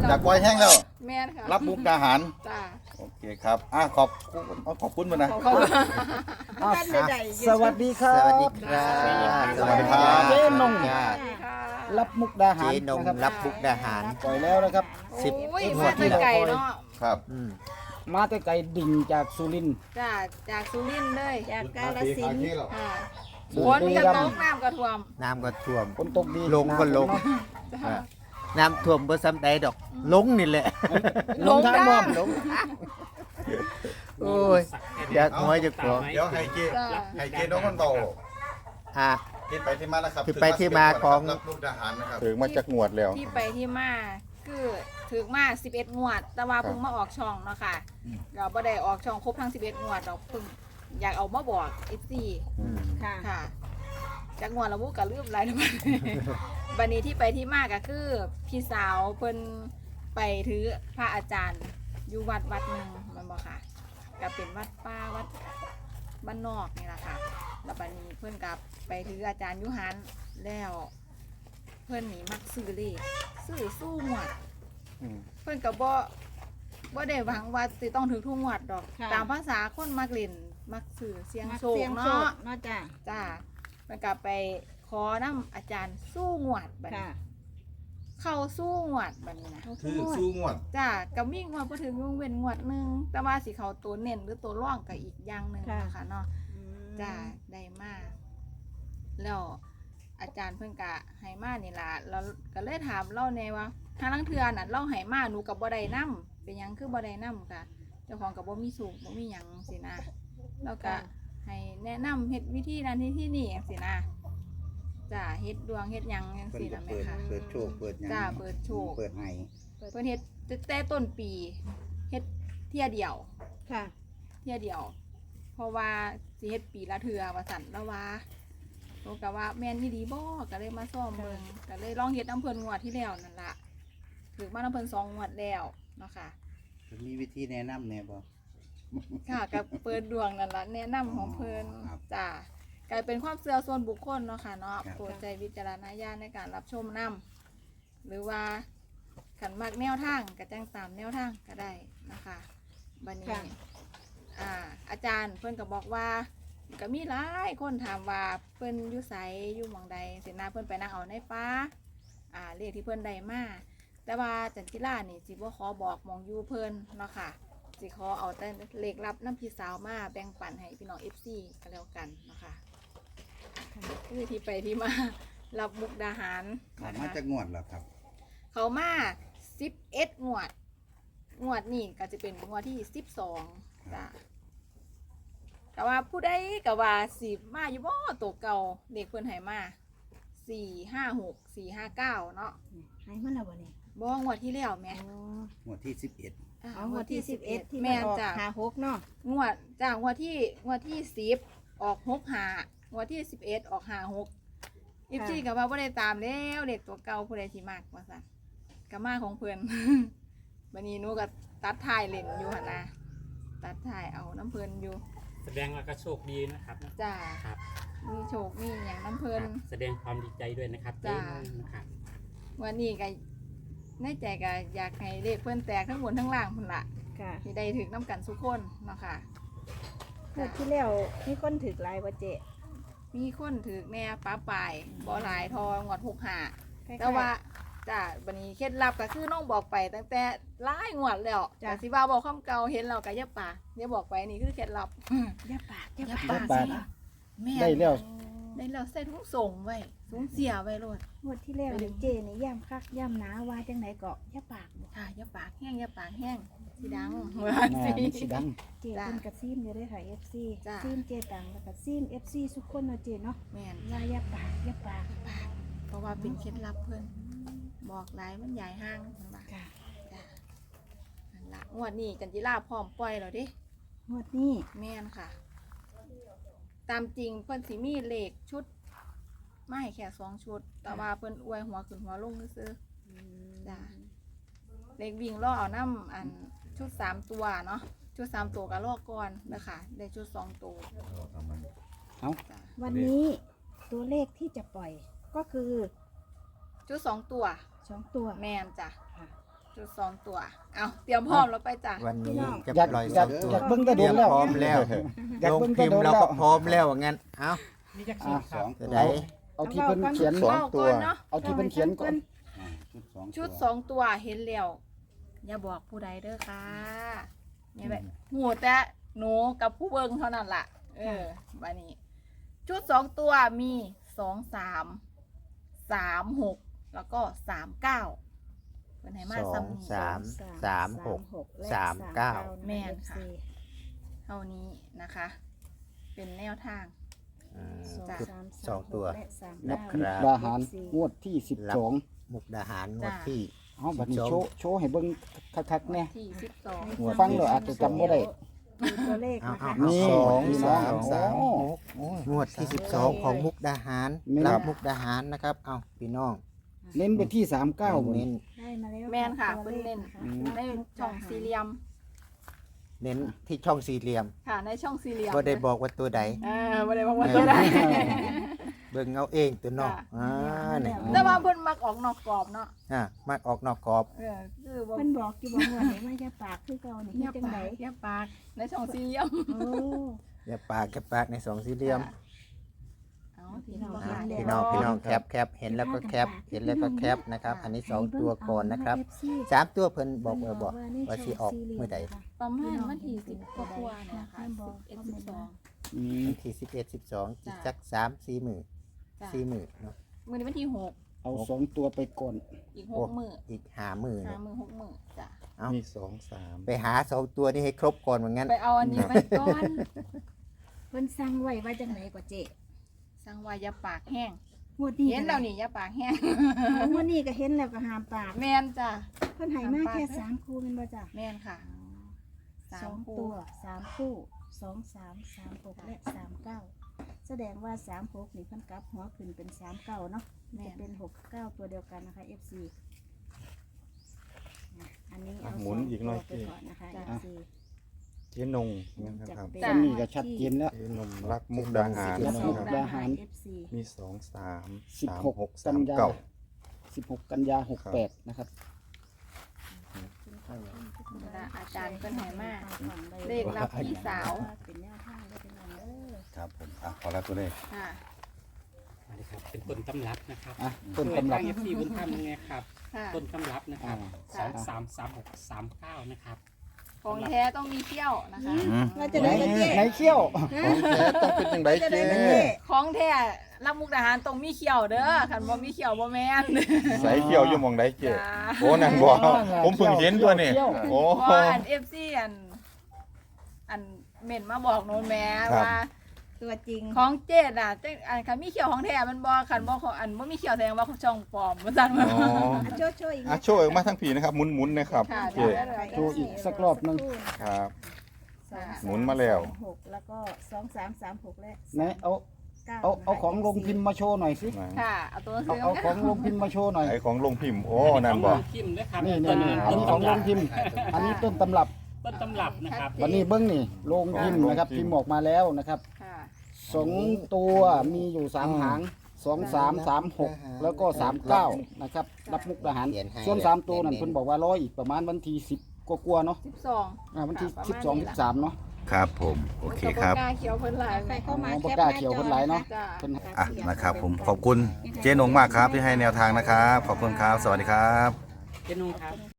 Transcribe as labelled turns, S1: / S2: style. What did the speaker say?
S1: อยากปล่อยแห้งแล้ว
S2: แม่นค่ะ
S1: รับมุกดาหาร
S2: จ้า
S1: โอเคครับขอบคุณมานะ
S2: ขอบคุณ
S3: อ้าวสวัสดีครับ
S4: สวัสดีครับ
S1: สวัสดีครับ
S3: เจ๊นง
S2: สวัสดีค่ะ
S3: รับมุกดาหาร
S4: เจ๊นง
S3: นะครับ
S4: รับมุกดาหาร
S3: ปล่อยแล้วนะครับ
S4: สิบ
S2: โอ้ย
S4: ง
S2: มาว
S4: ด
S2: แต่
S4: ที่แล้ว
S2: ไก่เนาะ
S1: ครับ
S3: มาแต่ไกลดิ่งจากสุรินทร์
S2: จ้าจากสุรินทร์เลย
S5: จากกาฬสินธุ์
S2: ค่ะ
S3: บุ
S2: ฝน
S3: รี
S2: กระ
S3: รั
S2: ต
S3: ม
S2: ก
S3: ย์
S2: น้ำกระท่วม
S4: น้ำก็ท่วม
S3: ฝนตกดี
S4: ลงก็ลง
S3: น้ำตกเนาะ
S2: จ้า
S4: น้ำท่วมบ่ซ้ำใดดอก ลงนี่แหละ
S3: ลงทางบ่
S4: ลงโอ้ยอยากหัวจะขอ
S1: เดี๋ยวให้เจ
S2: จ้า
S1: ให้เจน้องคนเบา
S4: อ่ะ
S1: ที่ไปที่มานะครับ
S4: ที่ไปที่มาของ
S1: รับมุกดาหารนะครับถึงมาจากงวดแล้ว
S2: ที่ไปที่มาคือถึงมา11งวด แต่ว่าเพิ่งมาออกช่องเนาะค่ะเราบ่ได้ออกช่องครบทั้ง11งวดเราเพิ่งอยากเอามาบอก FC
S5: ค่ะ
S2: ค่ะจากงวดเราบุกกะลืมหลายทุกวัน บันนี้ที่ไปที่มาก็คือพี่สาวเพิ่นไปถือพระอาจารย์อยู่วัดหนึ่งมันบอกค่ะก็เป็นวัดป้าวัดบ้านนอกนี่แหละค่ะแล้วบันนี้เพิ่นกับไปถืออาจารย์ยุหันแล้ว เพิ่นหนีมักซื้อเลขซื้อสู้หมวด เพิ่นกับบ่ได้หวังว่าสิต้องถือทุกงวดดอก
S5: ค่ะ
S2: ตามภาษาคนมักเล่นมักซื้อเสียง
S5: มัก
S2: โชค
S5: เสียงโช
S2: เนาะ
S5: คเนาะจ้ะ
S2: จ้ามันกลับไปขอน้ำอาจารย์สู้งวดบัดนี้
S5: ค่ะ
S2: เข้าสู้งวดบัดนี้นะ
S1: คือสู้งวด
S2: จ้ากับมีงวดพอถึงวงเว้นงวดหนึงแต่ว่าสิเขาตัวเน้นหรือตัวร่องกับอีกอย่างหนึ่ง
S5: ค่ะ
S2: นะคะเนาะ
S5: อืม
S2: จ้าได้มากแล้วอาจารย์เพิ่นกะให้มานี่ล่ะเราก็เลยถามเล่าแน่ว่าทางลังเทือน่ะเล่าให้มาหนูกับบ่ได้นํเป็นหยังคือบ่ได้นํค่ะเจ้าของกับบ่มีสูงบ่มีหยังสินะแล้วก็ ให้แนะนำเฮ็ดวิธีนั้นที่นี่สินะจ้าเฮ็ดดวงเฮ็ดหยังจัง
S6: เพิ่น
S2: ซี่
S6: ก็
S2: นะแม่
S6: เปิด
S2: ค่ะ
S6: เปิดโชคเปิดหยัง
S2: จ้าเปิดโชค
S6: เปิดให้
S2: เพิ่นเฮ็ดแต่ต้นปีเฮ็ดเที่ยเดียว
S5: ค่ะ
S2: เที่ยเดียว เพราะว่าสิเฮ็ดปีละเทื่อว่าซั่นแล้วว่าโตก็ว่าแม่นอีหลีบ่ก็เลยมาซ่อมเบิ่งก็เลยลองเฮ็ดน้ำเพิ่นงวดที่แล้วนั่นล่ะถึงมาน้ำเพิ่น2งวดแล้วเนาะค่ะ
S6: มีวิธีแนะนำแหน่บ่
S2: ค่ะกับเปิดดวงนั่นละแนะนำของเพิ่น
S6: ครับ
S2: จ้ากลายเป็นความเชื่อส่วนบุคคลเนาะค่ะเนาะ
S6: ครับ
S2: โปรดใจวิจารณญาณในการรับชมนำหรือว่าขันมากแนวทางก็แจ้งตามแนวทางก็ได้นะคะบัดนี้
S5: ค่ะ
S2: อาจารย์เพิ่นก็บอกว่าก็มีหลายคนถามว่าเพิ่นอยู่ไสอยู่หม่องใดสินะเพิ่นไปนั่งเอาในป่าเลขที่เพิ่นได้มาแต่ว่าจันจิรานี่สิบ่ขอบอกหมองอยู่เพิ่นเนาะค่ะ สิขอเอาแต่เลขลับน้ำพี่สาวมาแบ่งปันให้พี่น้อง FC ก็แล้วกันนะคะคือที่ไปที่มา รับมุกดาหาร
S6: ออก
S2: นะ
S6: มา
S2: คะ
S6: จากงวดแล้วครับ
S2: เขามา11งวดนี่ก็จะเป็นงวดที่12จ้ะแต่ว่าผู้ใดก็ว่าสิมาอยู่บ่ตัวเก่าเด็กเพิ่นให้มา456 459เนาะ
S5: ให้มันแล้วบ่นี่
S2: บ่งวดที่แล้วแหม่
S6: งวดที่
S5: เอางวดที่11ที่
S2: แม่
S5: มัน
S2: น
S5: ออก
S2: จ้ะ
S5: 56เนาะ
S2: งวดจากงวดที่10ออก65งวดที่11ออก56อีฟซี่ก็ว่าบ่ได้ตามแล้วเด็กตัวเก่าผู้ใดสิมักว่าซั่นก็มาของเพิ่น บัดนี้หนูก็ตัดถ่ายเล่นอยู่หั่นนะตัดถ่ายเอาน้ำเพิ่นอยู่
S7: แสดงว่าก็โชคดีนะครับ
S2: จ้า
S7: ครับ
S2: มีโชคมีหยังน้ำเพิ่น
S7: แสดงความดีใจด้วยนะครับ
S2: จ้า
S7: เจ๊นะครับ
S2: วันนี้ก็ในใจก็อยากให้เลขเพิ่นแตกทั้งบนทั้งล่างพุ่นล่ะ
S5: ค่ะ
S2: สิได้ถึกน้ำกันทุกคนเนาะค่ะ
S5: งวดที่แล้วมีคนถึกหลายบ่เจ๊
S2: มีคนถึกแน่ป้าปลายบ่หลายทองวด65
S5: คล้ยๆ
S2: แต่ว่าจ้าบันนี้เคล็ดลับก็คือน้องบอกไปตั้งแต่หลายงวดแล้ว
S5: จ้ะ
S2: แต่สิว่าบอกคำเก่าเห็นเราก็อย่าปากอย่าบอกไปนี่คือเคล็ดลับ
S5: อย่าปากอย่า
S2: อย่า
S5: ปาก
S2: ปาก
S3: อย่าปาก
S2: สิแม่
S3: ได้แล้ว
S2: ได้แล้วใส่ถุงส่งไว้ถุงเสียไว้โลด
S5: งวดที่แล้วนี่เจ๊นี่ย่ำคักย่ำหนาว่าจังไดก็อย่าปากบ่
S2: ค่ะอย่าปากแห้งอย่าปากแห้งสิดัง
S3: หน้ามันสิดัง
S5: เจ๊
S2: จ้ะ
S5: เพิ่นก็ซีมอยู่เด้อค่ะ FC
S2: จ้ะ
S5: ซีมเจ๊ตังแล้วก็ซีม FC ทุกคนเนาะเจ๊เนาะ
S2: แม่น
S5: ว่าอย่าปากอย่าปาก
S2: เพราะว่าเป็นเคล็ดลับเพิ่นบอกหลายมันใหญ่ห้างเพิ่นว่า
S5: ค่ะ
S2: จ้ะนั่นล่ะงวดนี้จันจิราพร้อมปล่อยแล้วเดิ
S5: งวดนี้
S2: แม่นค่ะ ตามจริงเพิ่นสิมีเลขชุดไม่แค่2 ชุด แต่ว่าเพิ่นอวยหัวขึ้นหัวลงซื่อๆจ้ะเลขวิ่งล่อเอาน้ำอันชุด3 ตัวเนาะชุด3 ตัวก็ลอกก่อนนะคะได้ชุด2 ตัว
S3: เอา
S2: จ้ะ
S5: วันนี้ตัวเลขที่จะปล่อยก็คือ
S2: ชุด2 ตัว
S5: 2 ตัว
S2: แม่นจ้ะ
S5: ค่ะ
S2: ชุด2ตัวเอาเตรียมพร้อมแล้วไปจ้ะ
S4: วันนี้จะ
S3: อยาก
S4: ปล่อย
S3: อ
S4: ส
S3: ยา
S4: อก งตัว
S3: อยากเบิ่งแต่
S4: เต
S3: โด
S4: รีย
S3: น
S4: ม
S3: แล้ว
S4: พร้อมแล้ว
S3: อยาก
S4: ลง
S3: เบิ่งแต่
S4: พิม
S3: โด
S4: พ์
S3: น
S4: เรา
S3: แล้ว
S4: ก็พร้อมแล้วงั้นเอ้า
S7: นี่จะสูตรครับ
S4: จะได้
S3: เอาที่เพิ่นเขียน
S1: สองตัว
S2: เนาะ
S3: เอาที่เพิ่นเขียนก่อน
S6: อ่า
S2: ชุด
S6: ชุดสอง
S2: 2 ตัวเห็นแล้วอย่าบอกผู้ใดเด้อค่ะเนี่ยแบบหูแต่หนูกับผู้เบิ่งเท่านั้นล่ะบัดนี้ชุด2ตัวมี2 3 3 6แล้วก็3 9เพิ่นให้มา
S4: สอ
S2: ซ้ำ
S4: ง
S2: นี้
S4: สามสามหก สามเก้า
S2: แม่นค่ะ เท่านี้นะคะ เป็นแนวทาง
S4: อืม
S2: จ้ะ
S4: ชุดสองตัว
S3: นับ
S4: ครั
S3: มุ
S4: บ
S3: กดาหารงวดที่ 12
S4: มุกดาหารงวดที่
S3: เอาบัดนี้โชว์ให้เบิ่งคักๆแน่
S2: ที่
S1: งวด
S3: ฟังแล้วอาจจะจำบ่ได้
S5: ดูตัวเลข
S4: เอา
S5: นะคะ
S4: เอา
S3: นี่
S1: สอง
S3: พี่น้
S1: สามสาม
S3: โอ้
S1: หกโอ้ย
S4: งวดที่12ของมุกดาหาร
S3: แม่น
S4: รับมุกดาหารนะครับ เอาพี่น้อง
S3: เน้นไปที่ 39บ่
S4: เน้
S3: นี่
S4: น
S5: ได้มาแล้ว
S2: แม่นค่ะ
S5: ตัว
S2: เพิ่น
S5: ล
S2: เล่
S5: ข
S2: น
S5: นะคะ
S2: ในช่องสี่เหลี่ยม
S4: เน้นที่ช่องสี่เหลี่ยม
S2: ค่ะ ในช่องสี่เหลี่ยม
S4: ก็ได้บอกว่าตัวใด
S2: บ่ได้บอกว่าตัวใด
S4: เบิ่งเอาเองตัวน้อง
S2: ค่ะ
S4: นี่
S2: แต่ว่าเพิ่นมักออกนอกกรอบเนาะ
S4: มากออกนอกกรอบ
S2: คือบ่
S5: เพิ่นบอกอยู่บอกว่าไหนว่าจะปากคือเก่านี่
S2: เงี
S5: เฮ็
S2: ย
S5: ด
S2: บ
S5: จัง
S2: ปา
S5: ได
S2: กเงียบปากในช่องสี่เหลี่ยม
S5: โอ้
S4: อย่าปากแค่ปากในสองสี่เหลี่ยม
S2: เอาพี่น้อง
S5: อ่า
S4: พี่น้องแคปเห็นแล้วก็แคปเห็นแล้วก็แคปนะครับ อันนี้สองตัวก่อนนะครับสามตัวเพิ่นบอกว่าสิออกเมื่อใด
S2: ประมาณวันที่10กว่าๆเนี่ยค่ะ11 12
S3: อืม
S4: วันที่11 12อีกสัก3-4มื้อ
S2: จ้ะ
S4: 4มื้อเนาะ
S2: มื้อนี้วันที่
S3: เอา2ตัวไปก่อน
S2: 6อีก
S4: โอ้
S2: 6มื้อ
S4: อีก5มื้อ
S2: 5
S4: เนาะ
S2: มื้อ6มื้อจ้ะ
S4: เอ้า
S1: มีสองสาม
S4: ไปหาสองตัวนี้ให้ครบก่อนว่างั้น
S2: ไปเอาอันนี้ไปก่อน
S5: เพิ่นสั่งไว้ว่าจังไดก็เจ๊
S2: สั่งว่าอย่าปากแห้ง
S5: งวดนี้
S2: เห็นแล้วนี่อย่าปากแห้ง
S5: งวดนี้ก็เห็นแล้วก็ห้ามปาก
S2: แม่นจ้ะ
S5: เพิ่นให้มาแค่3คู่แม่นบ่จ้ะ
S2: แม่นค่ะ
S5: สอง
S2: คู่
S5: ตัว3คู่2 3 3 6และ39แสดงว่า36นี่เพิ่นกลับหัวขึ้นเป็น39เนาะ
S2: แม่
S5: จะ
S2: น
S5: เป็น69ตัวเดียวกันนะคะ FC อันนี้เอา
S1: หมุนอีกหน่อย
S5: สงตัวไปก่อนนะคะ FC
S1: เจ๊นงนะครับ
S5: จะ
S3: ตอนนี้ก็ชัดเจนแล้ว
S1: เจ๊นงรักมุกดาหาร
S3: รัก
S1: นะ
S3: มุก
S1: ครับ
S3: ดาหาร
S5: FC
S1: มีสองสาม
S3: สิบ
S1: สาม
S3: หก
S1: หก
S3: กั
S1: สาน ม
S3: ยา
S1: เก้า
S3: 16 กันยา 68 นะครับ
S2: อาจารย์เพิ่นให้มา เล
S5: เล
S2: ขรับพี่สาว
S5: เป็นแนวทางได้เป็นอันเด้อ
S1: ครับผมพอแล้วตัวเลข
S2: ค่ะ
S7: อันนี้ครับเป็นต้นตำรับนะครับ
S3: อ่ะต้นตำรับ
S7: ช่วยทาง FC บุญธรรมยังไงครับ
S2: ค่ะ
S7: ต้นตำรับนะครับ
S3: อ่า
S7: 233639นะครับ
S2: ของแท้ต้องมีเขี้ยวนะคะ
S5: ว่าจะได้กันเจ๊
S3: ไหนเขี้ยว
S1: ของแท้ต้องเป็นยังไงเจ๊
S2: ของแท้รับมุกดาหารต้องมีเขี้ยวเด้อคันบ่มีเขี้ยวบ่แม่น
S1: ใส่เขียวอยู่หมองใดเจ๊
S2: จ้า
S1: โอ้นั่นบอกผมเพิ่งเห็นตัวนี่โอ้
S2: เพราะอัน FC อันเม่นมาบอกโน้นแม่
S1: ครับ
S2: ว่า
S5: ตัวจริง
S2: ของเจ็ดอ่ะจังอันคันมีเขี้ยวของแท้มันบ่คันบ่ของอันบ่มีเขี้ยวแสดงว่าของช่องปลอมว่าซั่น
S1: อ๋อ
S5: โชว์อีก
S1: อ่ะโชว์ออกมาทั้งผีนะครับหมุนๆนะครับ
S2: ค่ะ
S1: เจ๊
S3: โชว์อีกสักรอบหนึ่ง
S1: ครับ หมุนมาแล้ว
S5: 6แล้วก็2336และ
S3: ไหนเอาของลงพิมพ์มาโชว์หน่อยสิ
S2: ค่ะเอาตัวหนังสือ
S3: เอาของลงพิมพ์มาโชว์หน่อย
S1: ไอของลงพิมพ์โอ้นั่นบอก
S7: พิมพ์นะครับ
S3: นี่
S7: ต้น
S3: อันนี้ของลงพิมพ์ อันนี้ต้นตำรับ
S7: ต้นตำรับนะครับ
S3: วันนี้เบิ้งนี่ลงพิมพ์นะครับ พิมพ์ออกมาแล้วนะครับ
S2: ค่ะ
S3: 2 ตัวมีอยู่3หาง2 3 3 6แล้วก็39นะครับรับมุกดาหาร
S4: เขียนให้
S3: ส่วน3ตัวนั่นเพิ่นบอกว่าร้อยอีกประมาณวันที่10กว่าๆเนาะ
S2: 12
S3: วันที่
S2: ค่ะ
S3: 12 13เนาะ
S1: ครับผมโอเคครับ
S2: กล้าเขียวเพิ่นหลาย
S5: ใครเข้ามา
S3: บ่กล้าเขียวเพิ่นหลายเนาะ
S2: จ้า
S3: เพิ่น
S1: อ่ะนะครับผมขอบคุณเจ๊นงมากครับที่ให้แนวทางนะครับ ขอบคุณครับ สวัสดีครับ
S7: เจนุงครับ